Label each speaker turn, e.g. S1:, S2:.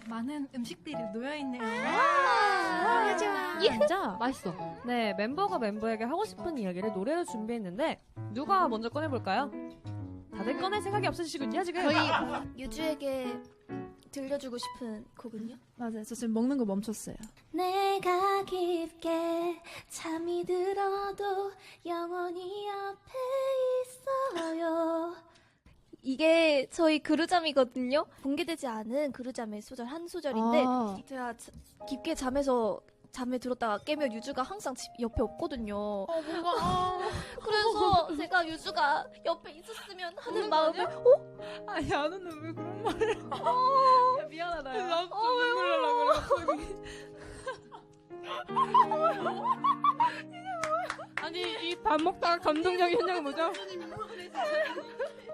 S1: 많은 음식들이 놓여있네요.
S2: 좋아.
S3: 진짜 맛있어. 네, 멤버가 멤버에게 하고 싶은 이야기를 노래로 준비했는데 누가 먼저 꺼내볼까요? 다들 꺼낼 생각이 없으시군요, 지금.
S2: 저희 유주에게 들려주고 싶은 곡은요?
S4: 맞아요. 저 지금 먹는 거 멈췄어요.
S2: 내가 깊게 잠이 들어도 영원히 옆에 있어요. 이게 저희 그루잠이거든요. 공개되지 않은 그루잠의 소절 한 소절인데 제가 깊게 잠에 들었다가 깨면 유주가 항상 옆에 없거든요. 그래서 제가 유주가 옆에 있었으면 하는 마음에
S4: 아니, 안 오는 왜 그런 말을. 야, 미안하다. 야.
S1: 나도 눈물 나려고 그래.
S3: 아니, 이 밥 먹다가 감동적인 현장은 뭐죠?